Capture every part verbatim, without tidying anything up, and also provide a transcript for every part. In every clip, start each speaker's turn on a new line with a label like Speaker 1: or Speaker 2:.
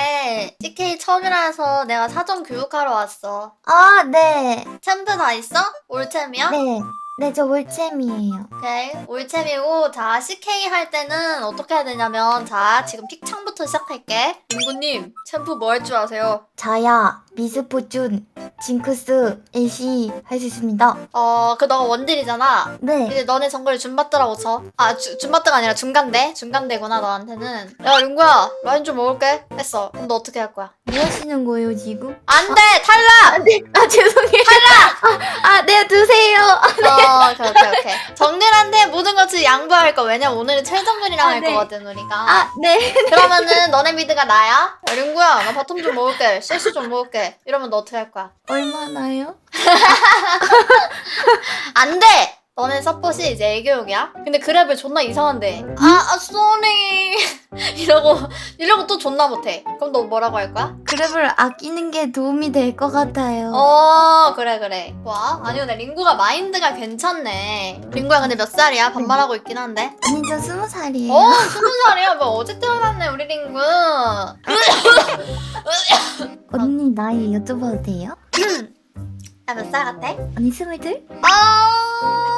Speaker 1: 근데 씨케이 처음이라서 내가 사전 교육하러 왔어.
Speaker 2: 아, 네.
Speaker 1: 챔프 다 있어? 올챔이야?
Speaker 2: 네. 네, 저 올챔이에요.
Speaker 1: 오케이. 올챔이고, 자, 씨케이 할 때는 어떻게 해야 되냐면, 자, 지금 픽창부터 시작할게. 민구님, 챔프 뭐 할 줄 아세요?
Speaker 2: 자야, 미스포춘, 징크스, 애쉬 할 수 있습니다.
Speaker 1: 어, 그 너가 원딜이잖아.
Speaker 2: 네.
Speaker 1: 이제 너네 정글 줌바트라고 쳐. 아, 주, 줌바트가 아니라 중간대? 중간대구나, 너한테는. 야, 링구야, 라인 좀 먹을게. 했어. 그럼 너 어떻게 할 거야?
Speaker 2: 뭐 하시는 거예요, 지금?
Speaker 1: 안 돼! 탈락!
Speaker 2: 네. 아, 죄송해요. 탈락! 아, 아, 네, 드세요.
Speaker 1: 어, 오케이, 오케이, 오케이. 정글한테 모든 것을 양보할 거. 왜냐면 오늘은 최정글이랑
Speaker 2: 아,
Speaker 1: 할
Speaker 2: 네.
Speaker 1: 거거든, 우리가.
Speaker 2: 아, 네.
Speaker 1: 그러면은 너네 미드가 나야? 야, 링구야, 나 바텀 좀 먹을게. 셀시 좀 먹을게. 이러면 너 어떻게 할 거야?
Speaker 2: 얼마나요?
Speaker 1: 안 돼! 너네 서폿이 이제 애교육이야? 근데 그랩을 존나 이상한데. 아, 아, 쏘리. 이러고, 이러고 또 존나 못해. 그럼 너 뭐라고 할 거야?
Speaker 2: 그랩을 아끼는 게 도움이 될 것 같아요.
Speaker 1: 어, 그래, 그래. 와, 아니, 근데 링구가 마인드가 괜찮네. 링구야, 근데 몇 살이야? 반말하고 있긴 한데.
Speaker 2: 아니, 저 스무 살이에요.
Speaker 1: 어, 스무 살이야. 뭐, 어제 태어났네, 우리 링구.
Speaker 2: 언니 나이 여쭤봐도 돼요?
Speaker 1: 나 몇 살 같아?
Speaker 2: 언니 스물둘?
Speaker 1: 아,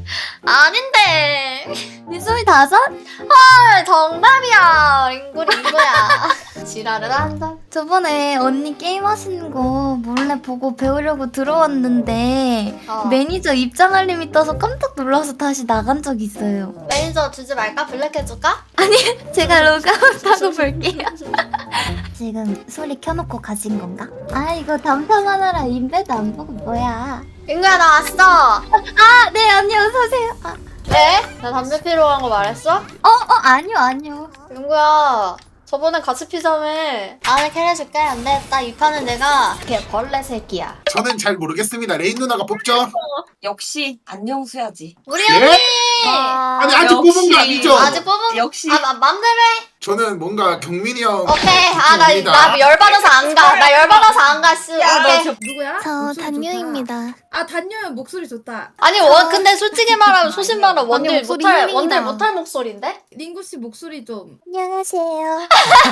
Speaker 1: 아닌데.
Speaker 2: 언니 스물다섯?
Speaker 1: 헐, 정답이야. 링구, 링구야. 지랄을 한다.
Speaker 2: 저번에 언니 게임 하시는 거 몰래 보고 배우려고 들어왔는데
Speaker 1: 어.
Speaker 2: 매니저 입장 알림이 떠서 깜짝 놀라서 다시 나간 적 있어요.
Speaker 1: 매니저 주지 말까? 블랙 해줄까?
Speaker 2: 제가 로그아웃하고 볼게요. 지금 소리 켜놓고 가신 건가? 아 이거 담탐하느라 인베드 안 보고 뭐야.
Speaker 1: 링구야, 나 왔어.
Speaker 2: 아 네 언니 어서오세요. 아,
Speaker 1: 왜? 나 담배 피러 간 거 말했어?
Speaker 2: 어? 어 아니요 아니요.
Speaker 1: 링구야, 저번에 같이 피자매. 안에 캐내줄게. 안 되겠다. 이 판은 내가 걔 벌레 새끼야.
Speaker 3: 저는 잘 모르겠습니다. 레인 누나가 뽑죠?
Speaker 4: 역시 안녕수야지.
Speaker 1: 우리
Speaker 3: 예?
Speaker 1: 언니!
Speaker 3: 아니 아직
Speaker 4: 역시.
Speaker 3: 뽑은 거 아니죠?
Speaker 1: 아직 뽑은
Speaker 4: 역시.
Speaker 1: 아, 마, 맘대로 해.
Speaker 3: 저는 뭔가 경민이 형
Speaker 1: 오케이. 아, 나,
Speaker 3: 좋습니다.
Speaker 1: 나 열받아서 안 가. 나 열받아서 안 가, 씨.
Speaker 4: 야,
Speaker 1: 오케이.
Speaker 4: 너
Speaker 5: 누구야?
Speaker 2: 저
Speaker 5: 목소리
Speaker 2: 단유입니다.
Speaker 5: 좋다. 아 단유는 목소리 좋다.
Speaker 1: 아니, 원, 근데 솔직히 말하면, 소신 말하면 원딜
Speaker 2: 목소리
Speaker 1: 못할,
Speaker 2: 힐링이다.
Speaker 1: 원딜 못할 목소리인데?
Speaker 5: 링구 씨 목소리 좀.
Speaker 2: 안녕하세요.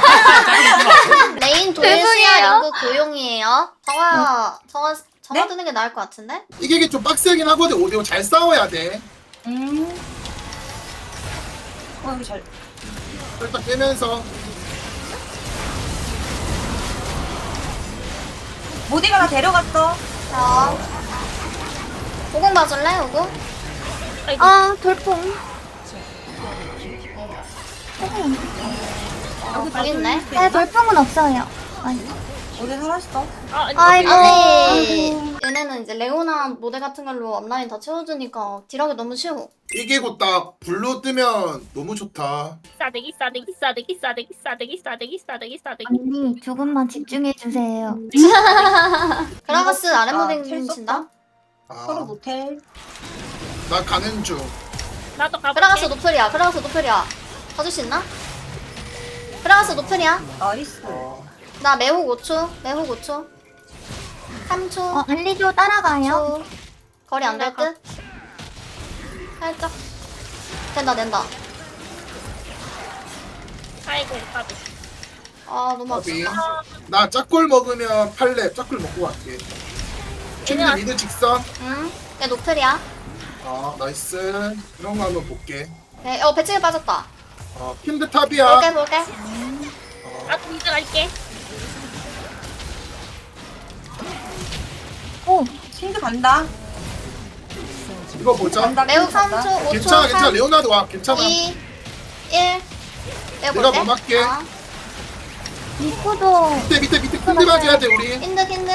Speaker 1: 레인 도예시야,
Speaker 2: 죄송해요.
Speaker 1: 링구 고용이에요. 정아, 정아, 정아
Speaker 4: 네?
Speaker 1: 드는 게 나을 것 같은데?
Speaker 3: 이게 이게 좀 빡세긴 하거든. 오디오 잘 싸워야 돼.
Speaker 4: 음. 어, 이거 잘.
Speaker 3: 살짝 빼면서
Speaker 4: 모디가 나 데려갔어.
Speaker 1: 자. 오공 봐줄래, 오공?
Speaker 2: 아 돌풍.
Speaker 1: 어, 여기 있네.
Speaker 2: 네 돌풍은 없어요. 아니.
Speaker 4: 모디 살았어.
Speaker 2: 아이고.
Speaker 1: 아니, 얘네는 이제 레오나 모델 같은 걸로 앞라인 다 채워주니까 딜하기 너무 쉬워.
Speaker 3: 이게 곧 딱 블루 뜨면 너무 좋다.
Speaker 6: 싸대기 싸대기 싸대기 싸대기 싸대기 싸대기 싸대기 싸대기
Speaker 2: 언니 조금만 집중해 주세요.
Speaker 1: 그라가스 아랫모델
Speaker 4: 아,
Speaker 1: 친다?
Speaker 4: 서로
Speaker 3: 아,
Speaker 4: 노텔.
Speaker 3: 나 가는 중.
Speaker 6: 나도 가볼게.
Speaker 1: 그라가스 노플이야, 그라가스 노플이야. 봐줄 수 있나? 그라가스 노플이야.
Speaker 4: 나이스.
Speaker 3: 어,
Speaker 1: 나 매혹 오 초, 매혹 오 초. 삼 초,
Speaker 2: 어 알리죠 따라가요.
Speaker 1: 초. 거리 안 될 듯? 살짝. 된다, 된다.
Speaker 6: 아이고 가비.
Speaker 1: 아, 너무
Speaker 3: 어디?
Speaker 1: 아프다.
Speaker 3: 나 짝골 먹으면 팔렙 짝골 먹고 갈게. 춘리
Speaker 6: 얘는
Speaker 3: 미드 직선.
Speaker 1: 응? 얘 노플이야.
Speaker 3: 아 나이스. 그런 거 한번 볼게.
Speaker 1: 네, 어, 배치기 빠졌다.
Speaker 3: 어 핀드 탑이야.
Speaker 1: 볼게, 볼게.
Speaker 6: 나도 미드 갈게.
Speaker 2: 오
Speaker 4: 신드 간다.
Speaker 3: 이거 보자.
Speaker 4: 간다.
Speaker 1: 매혹 삼
Speaker 4: 간다.
Speaker 1: 초, 오 초,
Speaker 3: 괜찮아 괜찮아.
Speaker 1: 삼,
Speaker 3: 레오나도 와. 괜찮아.
Speaker 1: 이, 일. 내가
Speaker 3: 내가
Speaker 1: 볼게.
Speaker 3: 뭐 할게.
Speaker 1: 어.
Speaker 2: 리코도
Speaker 3: 밑에 밑에 밑에 핀드 맞아야 돼 우리.
Speaker 1: 힌드, 힌드.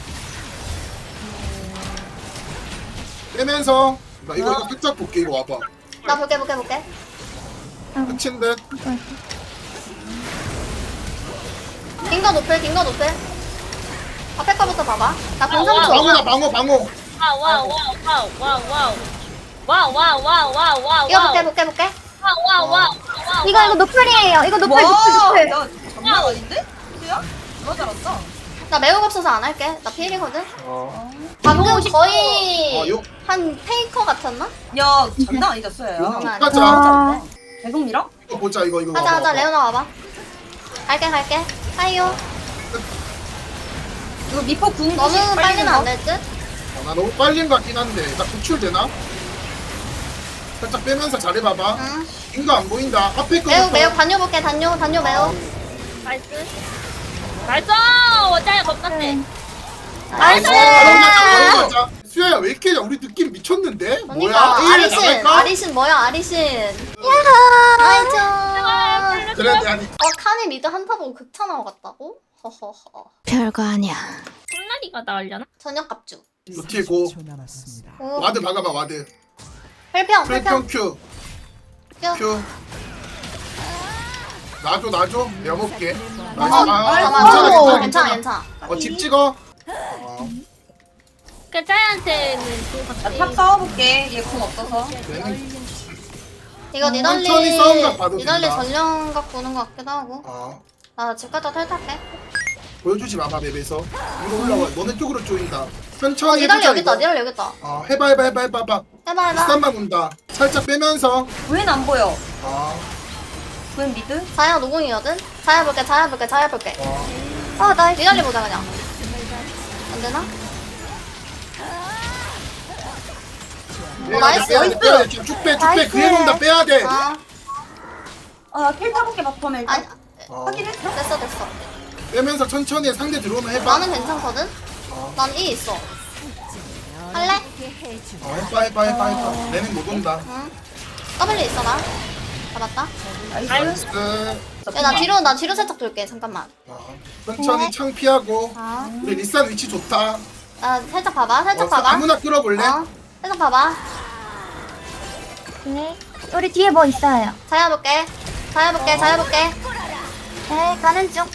Speaker 3: 빼면서 나 이거 이거 살짝 볼게. 이거 와봐.
Speaker 1: 나 볼게, 볼게, 볼게.
Speaker 3: 끝인 듯.
Speaker 1: 딩거 노플, 딩거 노플. 앞에 거부터 봐봐. 나
Speaker 6: 아,
Speaker 1: 공삼
Speaker 6: 와.
Speaker 1: 초.
Speaker 3: 방어다 방어 방어.
Speaker 6: 와우 와우 와우 와우 와우 와우 와우 와우 와우 와우
Speaker 1: 이거 볼게, 볼게, 볼게.
Speaker 6: 와우 와우 와우 와우
Speaker 2: 이거 이거 노플이에요. 이거 노플
Speaker 4: 와,
Speaker 2: 노플 노플.
Speaker 4: 야, 장난 아닌데? 수야? 너무 잘한다.
Speaker 1: 나 매혹 없어서 안 할게. 나 피일이거든.
Speaker 3: 어.
Speaker 1: 방금 거의
Speaker 3: 어, 요-
Speaker 1: 한 페이커 같았나?
Speaker 4: 야, 장난 아니다, 수야야.
Speaker 1: 장난 아니야.
Speaker 3: 가자.
Speaker 2: 아,
Speaker 4: 계속 밀어?
Speaker 3: 이거 보자 이거 이거.
Speaker 1: 하자,
Speaker 3: 와봐,
Speaker 1: 하자.
Speaker 3: 와봐.
Speaker 1: 레오나 와봐. 갈게, 갈게. 하이요.
Speaker 4: 이거 미포 궁
Speaker 1: 너무
Speaker 4: 조심,
Speaker 1: 빨리는
Speaker 4: 거.
Speaker 1: 안 될 듯?
Speaker 3: 어, 나 너무 빨린 것 같긴 한데 나 구출되나? 살짝 빼면서 잘해봐봐.
Speaker 1: 응.
Speaker 3: 인거 안 보인다. 앞에 거.
Speaker 1: 매우 매우 다녀볼게. 다녀 다녀 매우.
Speaker 6: 나이스. 나이스! 어차피 겁났네.
Speaker 1: 나이스!
Speaker 3: 바로 가자. 수야야 왜 이렇게 우리 느낌 미쳤는데?
Speaker 1: 그러니까
Speaker 3: 뭐야? A를
Speaker 1: 아리신
Speaker 3: 나갈까?
Speaker 1: 아리신 뭐야 아리신. 야하. 나이스.
Speaker 3: 그래 아니
Speaker 1: 어 칸이 미드 한타 보고 극차 나와 갔다고? 허허허.
Speaker 2: 별거 아니야.
Speaker 6: 콜라리가 나으려나?
Speaker 1: 저녁 갑주.
Speaker 3: 노티고
Speaker 1: 오.
Speaker 3: 와드 박아봐 와드.
Speaker 1: 펠평
Speaker 3: 플랫평
Speaker 1: 펠평.
Speaker 3: 큐.
Speaker 1: 큐.
Speaker 3: 큐. 놔줘 놔줘. 내가 먹게.
Speaker 1: 어,
Speaker 3: 나이스. 아,
Speaker 1: 잠깐만.
Speaker 3: 괜찮아,
Speaker 1: 어,
Speaker 3: 괜찮아,
Speaker 1: 괜찮아
Speaker 3: 괜찮아.
Speaker 1: 괜찮아.
Speaker 3: 어집 찍어. 어,
Speaker 6: 그 짜이한테는 좋은 것
Speaker 4: 나
Speaker 6: 같아.
Speaker 4: 탑 싸워볼게. 얘 궁 없어서.
Speaker 3: 얘는
Speaker 1: 이거 니달리
Speaker 3: 천천히 싸움각 봐도
Speaker 1: 니달리
Speaker 3: 된다.
Speaker 1: 전령각 보는 것 같기도 하고.
Speaker 3: 어.
Speaker 1: 나 집 갔다 탈탈게.
Speaker 3: 보여주지 마봐 맵에서. 위로 올라와. 너네 쪽으로 쪼인다.
Speaker 1: 어
Speaker 3: 천천히
Speaker 1: 니달리
Speaker 3: 해보자,
Speaker 1: 여기 있다.
Speaker 3: 이거.
Speaker 1: 니달리 여기 있다.
Speaker 3: 어 해봐 해봐 해봐 해봐 해봐.
Speaker 1: 해봐 해봐.
Speaker 3: 비싼만 온다. 살짝 빼면서.
Speaker 4: 웬 안 보여?
Speaker 3: 어.
Speaker 4: 웬 미드?
Speaker 1: 자야 노공이거든. 자야 볼게. 자야 볼게. 자야 볼게.
Speaker 3: 어.
Speaker 1: 아 나이스. 니달리 보자 그냥. 안 되나?
Speaker 3: 빼야
Speaker 1: 나이스.
Speaker 3: 돼, 빼야 돼, 빼야 돼. 지금 쭉 빼, 쭉 빼.
Speaker 1: 나이스.
Speaker 3: 그에 놓는다 빼야 돼.
Speaker 1: 아
Speaker 4: 아, 킬 타볼게, 바텀에 일단.
Speaker 1: 아니
Speaker 3: 어.
Speaker 4: 확인했어?
Speaker 1: 됐어 됐어.
Speaker 3: 빼면서 천천히 상대 들어오면 해봐.
Speaker 1: 나는 괜찮거든.
Speaker 3: 어.
Speaker 1: 난 E 있어. 할래?
Speaker 3: 어, 해봐 해봐 해봐 해봐. 내는 못 온다.
Speaker 1: 응. W 있어 나. 잡았다.
Speaker 4: 나이스.
Speaker 3: 나이스.
Speaker 1: 야 나 뒤로 나 뒤로 살짝 돌게. 잠깐만.
Speaker 3: 어. 천천히 창 피하고.
Speaker 1: 아.
Speaker 3: 우리 리산 위치 좋다.
Speaker 1: 나 살짝 봐봐. 살짝
Speaker 3: 어,
Speaker 1: 봐봐.
Speaker 3: 아무나 끌어볼래?
Speaker 1: 어. 살짝 봐봐.
Speaker 2: 네. 우리 뒤에 뭐 있어요?
Speaker 1: 자야 볼게. 자야 볼게. 자야 볼게.
Speaker 2: 네, 가는 중.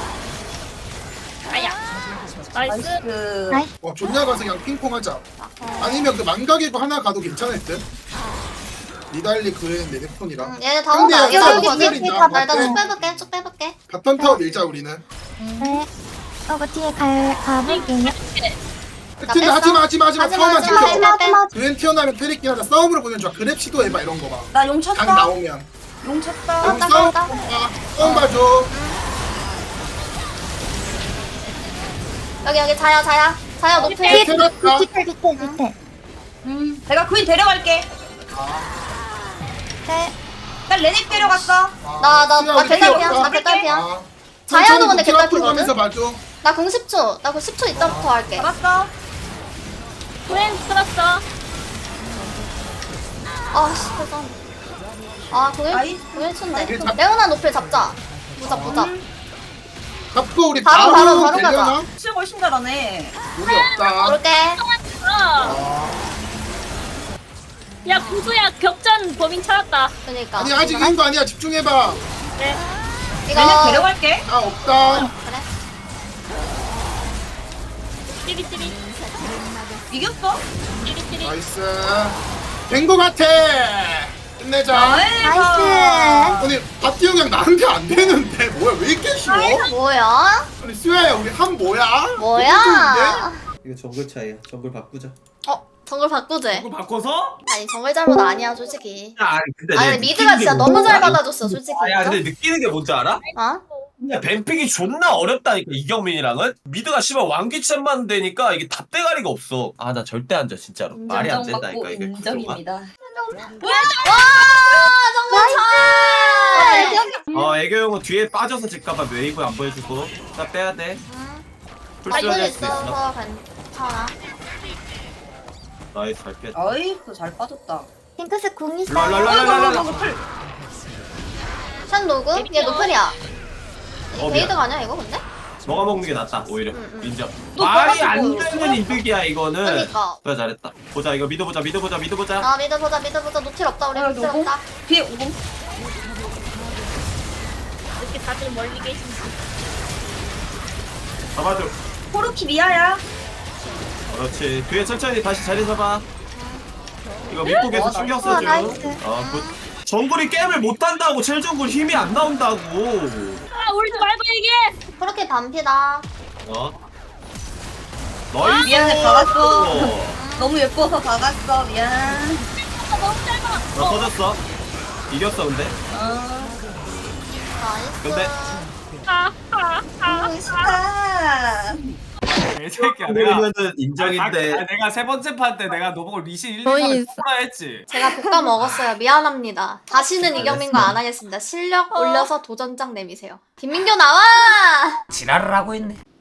Speaker 6: 아야. 나이스.
Speaker 4: 나이스.
Speaker 2: 나이스.
Speaker 3: 어, 존나 가서 그냥 핑퐁하자.
Speaker 1: 어.
Speaker 3: 아니면 그 망각이고 하나 가도 괜찮을 듯. 니달리 그의 네드폰이랑.
Speaker 1: 응, 얘네 다 온다.
Speaker 3: 여기,
Speaker 1: 여기
Speaker 3: 여기,
Speaker 1: 여기
Speaker 3: 여기
Speaker 1: 여기
Speaker 3: 있다.
Speaker 1: 나 일단 쭉
Speaker 3: 어때?
Speaker 1: 빼볼게. 쭉 빼볼게.
Speaker 3: 바텀 타워 밀자 우리는.
Speaker 2: 네. 어그 뒤에 갈 가볼게요.
Speaker 3: 근데
Speaker 1: 뺐어?
Speaker 3: 하지마 하지마 하지마
Speaker 1: 하지마,
Speaker 3: 타워만
Speaker 1: 하지마,
Speaker 3: 지켜.
Speaker 1: 하지마. 빼.
Speaker 3: 그엔 튀어나오면 테리키 하자. 싸움으로 보면 좋아. 그랩 시도해봐 이런 거 봐.
Speaker 4: 나 용
Speaker 3: 강
Speaker 4: 쳤다.
Speaker 3: 나오면.
Speaker 4: 용 쳤다.
Speaker 3: 여기
Speaker 1: 땄다,
Speaker 3: 싸움
Speaker 1: 땄다.
Speaker 3: 봐. 싸움 봐줘.
Speaker 1: 여기 여기 자야 자야. 자야 높이.
Speaker 2: 뒤에
Speaker 3: 테라카.
Speaker 2: 뒤에 뒤에 뒤에.
Speaker 4: 음, 내가 그인 데려갈게.
Speaker 2: 네.
Speaker 4: 난 레넥 데려갔어.
Speaker 1: 나 나 나 개딸피야. 나 개딸피야. 자야도 근데 개딸피거든?
Speaker 3: 가면서 봐줘.
Speaker 1: 나 공 십 초. 나 공 십 초 이따부터 할게.
Speaker 4: 잡았어.
Speaker 6: 구엔 끌었어.
Speaker 1: 아씨 죄송. 아 공일
Speaker 4: 나이스.
Speaker 1: 공일 초인데.
Speaker 3: 이게 잡-
Speaker 1: 레오나 높이 잡자. 보자 보자.
Speaker 3: 잡고 우리
Speaker 1: 바로,
Speaker 3: 바로
Speaker 1: 바로, 바로
Speaker 3: 되려나?
Speaker 1: 가자.
Speaker 4: 칠 훨씬 잘하네.
Speaker 3: 우리 없다.
Speaker 1: 모를게.
Speaker 6: 어. 야, 구수야, 격전 범인 찾았다.
Speaker 1: 그니까.
Speaker 3: 아니 아직 이긴 거 아니야. 집중해봐.
Speaker 6: 네.
Speaker 1: 이거
Speaker 4: 레넥 데려갈게.
Speaker 3: 아 없다.
Speaker 1: 그래.
Speaker 6: 찌릿찌릿.
Speaker 4: 이겼어.
Speaker 6: 찌릿찌릿.
Speaker 3: 나이스. 된 거 같아. 끝내자.
Speaker 4: 나이스.
Speaker 2: 나이스.
Speaker 3: 아니 박기영 형 나한테 안 되는데 뭐야 왜 이렇게 쉬워?
Speaker 1: 뭐야?
Speaker 3: 아니 수야야 우리 한 뭐야?
Speaker 1: 뭐야?
Speaker 7: 이거 정글 차이야. 정글 바꾸자.
Speaker 1: 어 정글 바꾸재.
Speaker 8: 이거 바꿔서?
Speaker 1: 아니 정글 잘못 아니야 솔직히.
Speaker 8: 야, 아니 근데
Speaker 1: 아니
Speaker 8: 내가
Speaker 1: 미드가
Speaker 8: 느끼는
Speaker 1: 진짜
Speaker 8: 게
Speaker 1: 너무
Speaker 8: 뭔지
Speaker 1: 잘
Speaker 8: 알아?
Speaker 1: 받아줬어 솔직히.
Speaker 8: 아, 야 근데 느끼는 게 뭔지 알아?
Speaker 1: 어?
Speaker 8: 그냥 뱀픽이 존나 어렵다니까 이경민이랑은 미드가 씨발 왕귀챔만 되니까 이게 답대가리가 없어. 아 나 절대 안 져 진짜로. 말이 안 된다니까 이게 구조가.
Speaker 4: 인정입니다.
Speaker 1: 와 정글 잘.
Speaker 8: 어 애교 형은 뒤에 빠져서 질까봐 웨이브 안 보여주고 나 빼야 돼. 풀스를
Speaker 1: 발전
Speaker 8: 할 수도 있어.
Speaker 1: 있어서 괜찮아.
Speaker 8: 나이스 잘 뺐다.
Speaker 4: 나이스. 잘 빠졌다.
Speaker 2: 핑크색 궁 있어.
Speaker 8: 랄랄랄랄랄라.
Speaker 1: 션 노그? 얘 노플이야.
Speaker 8: 어,
Speaker 1: 베이드가 아니야 이거 근데?
Speaker 8: 너가 먹는 게 낫다 오히려.
Speaker 1: 응, 응.
Speaker 8: 인정.
Speaker 1: 너
Speaker 8: 말이 안
Speaker 1: 먹어가지고
Speaker 8: 되는 이득이야 이거는.
Speaker 1: 그러니까.
Speaker 8: 그래 잘했다. 보자 이거 믿어보자 믿어보자 믿어보자.
Speaker 1: 아 미드 보자 미드 보자 노틸 없다 우리
Speaker 4: 어,
Speaker 1: 노틸
Speaker 4: 노공?
Speaker 1: 없다.
Speaker 4: 뒤에 오공.
Speaker 6: 이렇게 다들 멀리 계신지.
Speaker 8: 잡아줘.
Speaker 4: 코르키 미아야.
Speaker 8: 그렇지. 뒤에 천천히 다시 자리 잡아. 이거 믿고 계속
Speaker 4: 어,
Speaker 8: 신경
Speaker 2: 나이스.
Speaker 8: 써줘.
Speaker 2: 어, 나이스.
Speaker 8: 어, 그 정글이 게임을 못한다고 첼정글 힘이 안 나온다고.
Speaker 6: 아, 울지 말고 얘기해!
Speaker 1: 그렇게 반피다.
Speaker 8: 어? 너희
Speaker 4: 미안해, 박았어. 너무 예뻐서 박았어. 미안.
Speaker 6: 아, 너무 짧아!
Speaker 8: 너 터졌어. 이겼어 근데.
Speaker 4: 어.
Speaker 1: 나이스.
Speaker 8: 근데
Speaker 6: 아, 아,
Speaker 4: 병신아.
Speaker 9: 이 새끼야 내가
Speaker 8: 그러면은
Speaker 9: 아,
Speaker 8: 인정인데.
Speaker 9: 아, 내가 세 번째 판 때 내가 너보고 리신 일, 이,
Speaker 2: 거의
Speaker 9: 삼을
Speaker 2: 있어.
Speaker 9: 뽑으라 했지.
Speaker 1: 제가 볶아 먹었어요. 미안합니다. 다시는 이경민과 안 하겠습니다. 실력 올려서 도전장 내미세요. 김민교 나와!
Speaker 9: 지랄을 하고 있네.